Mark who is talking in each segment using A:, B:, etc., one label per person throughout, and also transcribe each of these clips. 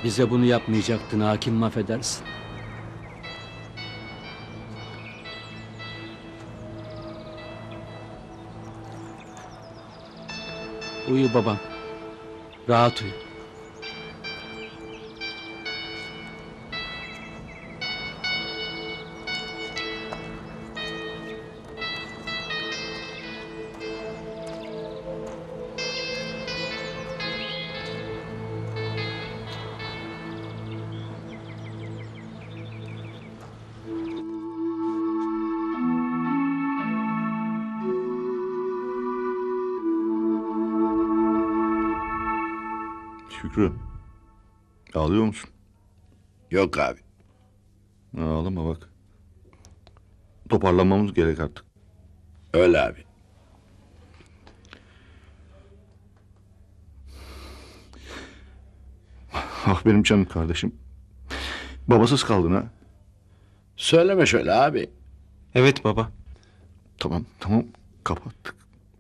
A: Bize bunu yapmayacaktın hakim, affedersin. Uyu babam. Rahat uyu.
B: Şükrü, ağlıyor musun?
C: Yok abi.
B: Ağlama bak. Toparlanmamız gerek artık.
C: Öyle abi.
B: Ah benim canım kardeşim. Babasız kaldın ha.
C: Söyleme şöyle abi.
D: Evet baba.
B: Tamam kapattık.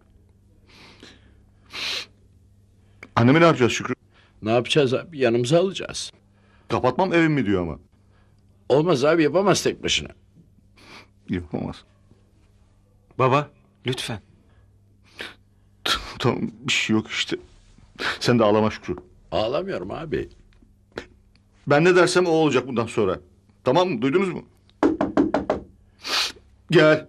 B: Annemi ne yapacağız Şükrü?
C: Ne yapacağız abi? Yanımıza alacağız.
B: Kapatmam evim mi diyor ama.
C: Olmaz abi, yapamaz tek başına.
B: Yapamaz.
D: Baba lütfen.
B: Tamam bir şey yok işte. Sen de ağlama Şükrü.
C: Ağlamıyorum abi.
B: Ben ne dersem o olacak bundan sonra. Tamam mı? Duydunuz mu? Gel.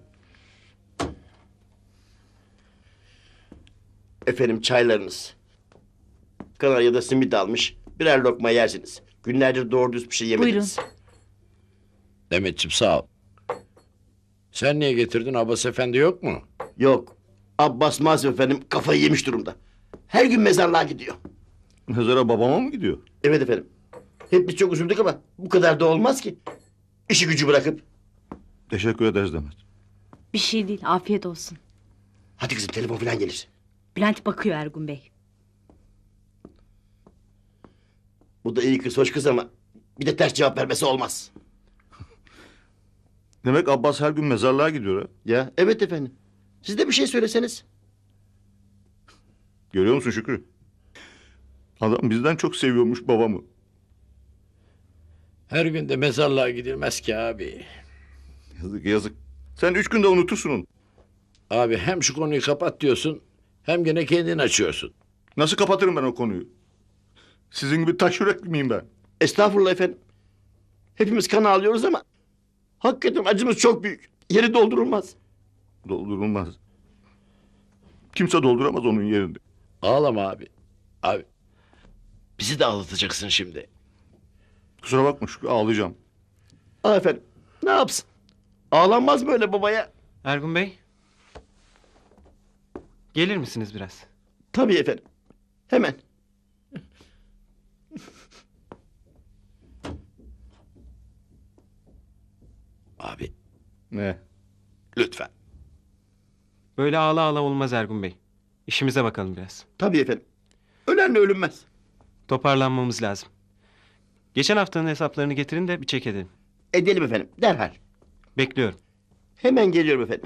E: Efendim çaylarınız. Kanarya'da simit almış. Birer lokma yersiniz. Günlerdir doğru düz bir şey yemediniz.
C: Demetciğim sağ ol. Sen niye getirdin? Abbas Efendi yok mu?
E: Yok. Abbas maalesef efendim kafayı yemiş durumda. Her gün mezarlığa gidiyor.
B: Nazara babama mı gidiyor?
E: Evet efendim. Hep biz çok üzüldük ama bu kadar da olmaz ki. İşi gücü bırakıp.
B: Teşekkür ederiz Demet.
F: Bir şey değil, afiyet olsun.
E: Hadi kızım telefon falan gelir.
F: Bülent bakıyor Ergun Bey.
E: Bu da iyi kız hoş kız ama bir de ters cevap vermesi olmaz.
B: Demek Abbas her gün mezarlığa gidiyor ha.
E: Ya evet efendim. Siz de bir şey söyleseniz.
B: Görüyor musun Şükrü? Adam bizden çok seviyormuş babamı.
C: Her gün de mezarlığa gidilmez ki abi.
B: Yazık. Sen 3 günde unutursun onu.
C: Abi hem şu konuyu kapat diyorsun, hem gene kendin açıyorsun.
B: Nasıl kapatırım ben o konuyu? Sizin gibi taş yürek miyim ben?
E: Estağfurullah efendim. Hepimiz kan ağlıyoruz ama hakikaten acımız çok büyük. Yeri doldurulmaz.
B: Doldurulmaz. Kimse dolduramaz onun yerini.
C: Ağlama abi. Abi, bizi de ağlatacaksın şimdi.
B: Kusura bakma Şükrü, ağlayacağım.
E: Aa efendim ne yapsın? Ağlanmaz mı öyle babaya?
D: Ergun Bey. Gelir misiniz biraz?
E: Tabii efendim. Hemen.
C: Abi,
B: Ne?
C: lütfen.
D: Böyle ağla ağla olmaz Ergun Bey. İşimize bakalım biraz.
E: Tabii efendim. Ölenle ölünmez.
D: Toparlanmamız lazım. Geçen haftanın hesaplarını getirin de bir çek edelim.
E: Edelim efendim derhal.
D: Bekliyorum.
E: Hemen geliyorum efendim.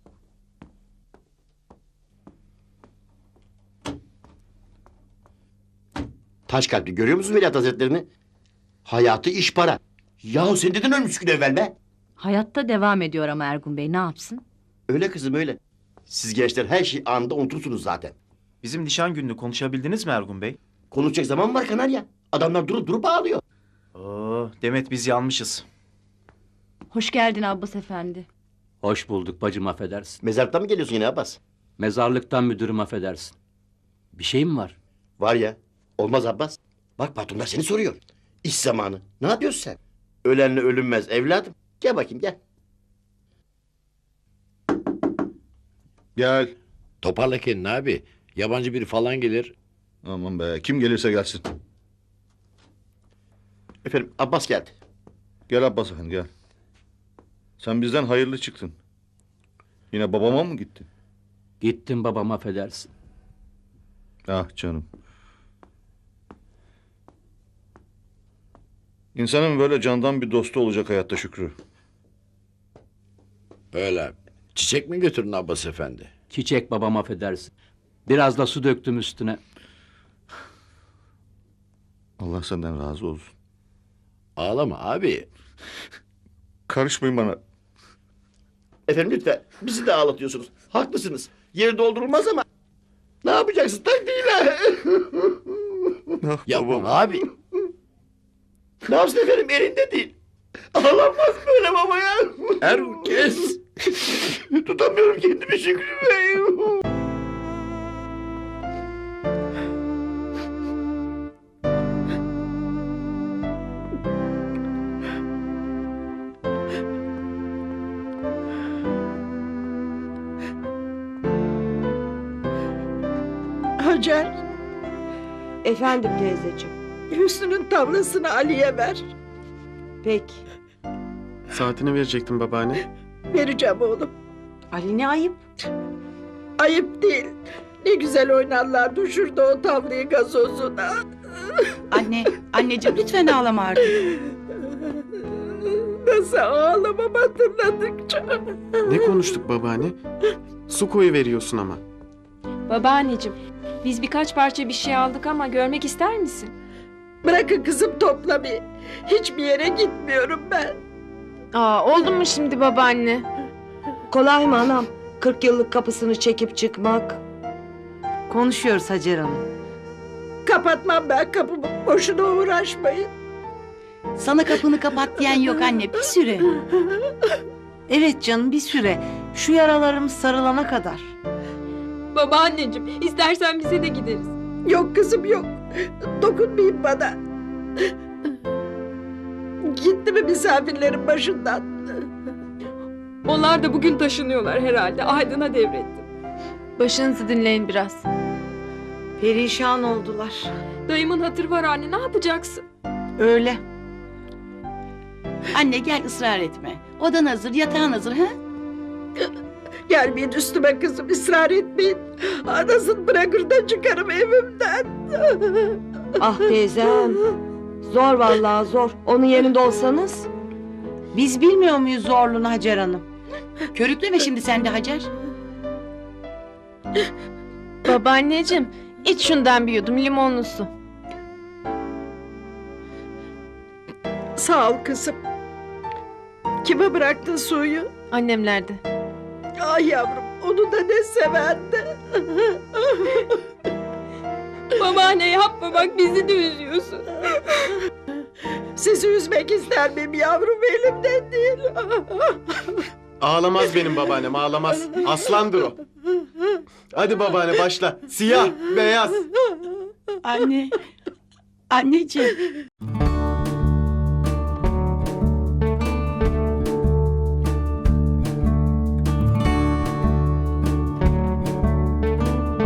E: Taş kalpli görüyor musunuz Veliaht Hazretlerini? Hayatı iş para. Yahu sen neden ölmüş gün evvel be?
F: Hayatta devam ediyor ama Ergun Bey, ne yapsın?
E: Öyle kızım öyle. Siz gençler her şeyi anında unutursunuz zaten.
G: Bizim nişan gününü konuşabildiniz mi Ergun Bey?
E: Konuşacak zaman var Kanarya. Adamlar durup durup ağlıyor.
G: Oo, Demet biz yanmışız.
F: Hoş geldin Abbas Efendi.
A: Hoş bulduk bacım, affedersin.
E: Mezarlıktan mı geliyorsun yine Abbas?
A: Mezarlıktan müdürüm, affedersin. Bir şey mi var?
E: Var ya. Olmaz Abbas. Bak patronlar seni soruyor. İş zamanı. Ne yapıyorsun sen? Ölenle ölünmez evladım. Gel bakayım gel.
B: Gel.
C: Toparla kendini abi. Yabancı biri falan gelir.
B: Aman be, kim gelirse gelsin.
E: Efendim Abbas geldi.
B: Gel Abbas efendi gel. Sen bizden hayırlı çıktın. Yine babama mı gittin?
A: Gittim babam, affedersin.
B: Ah canım. İnsanın böyle candan bir dostu olacak hayatta Şükrü.
C: Öyle abi. Çiçek mi götürdün Abbas Efendi?
A: Çiçek babam, affedersin. Biraz da su döktüm üstüne.
B: Allah senden razı olsun.
C: Ağlama abi.
B: Karışmayın bana.
E: Efendim lütfen bizi de ağlatıyorsunuz. Haklısınız. Yeri doldurulmaz ama ne yapacaksın taktiğiyle?
B: Ah
C: Yapma
B: babam.
C: abi.
E: Ne yapsın efendim elinde değil. Ağlanmaz böyle babaya.
C: Ergun kes.
E: Tutamıyorum kendimi Şükrü Bey.
H: Hacer,
I: Efendim teyzeciğim.
H: Hüsnü'nün tavlasını Ali'ye ver.
I: Peki.
D: Saatini verecektim babaanne.
H: Vereceğim oğlum.
I: Ali ne ayıp?
H: Ayıp değil. Ne güzel oynarlardı şurada o tavlayı gazozuna.
F: Anneciğim lütfen ağlama artık.
H: Nasıl ağlamam hatırladıkça.
D: Ne konuştuk babaanne? Su koyu veriyorsun ama.
J: Babaanneciğim, biz birkaç parça bir şey aldık ama görmek ister misin?
H: Bırakın kızım toplamayı. Hiçbir yere gitmiyorum ben.
J: Oldu mu şimdi babaanne?
I: Kolay mı anam? 40 yıllık kapısını çekip çıkmak.
K: Konuşuyoruz Hacer Hanım.
H: Kapatmam ben kapımı. Boşuna uğraşmayın.
K: Sana kapını kapat diyen yok anne, bir süre. Evet canım, bir süre. Şu yaralarımız sarılana kadar.
J: Babaanneciğim, istersen bize de gideriz.
H: Yok kızım yok. Dokunmayın bana. Gitti mi misafirlerin başından?
J: Onlar da bugün taşınıyorlar herhalde. Aydın'a devrettim. Başınızı dinleyin biraz.
I: Perişan oldular.
J: Dayımın hatırı var anne, ne yapacaksın?
K: Öyle. Anne gel, ısrar etme. Odan hazır, yatağın hazır ha?
H: Gelmeyin üstüme kızım, ısrar etmeyin. Anasını bırakır da çıkarım evimden.
I: Ah teyzem. Zor vallahi zor. Onun yerinde olsanız.
K: Biz bilmiyor muyuz zorluğunu Hacer Hanım? Körükleme şimdi sen de Hacer.
J: Babaanneciğim, iç şundan bir yudum limonlu su.
H: Sağ ol kızım. Kime bıraktın suyu?
J: Annemlerde.
H: Ay yavrum, onu da ne severdi.
J: Babaanne yapma bak, bizi de üzüyorsun.
H: Sizi üzmek ister miyim yavrum, elimden değil.
D: Ağlamaz benim babaannem, ağlamaz. Aslandır o. Hadi babaanne başla. Siyah, beyaz.
K: Anne. Anneciğim.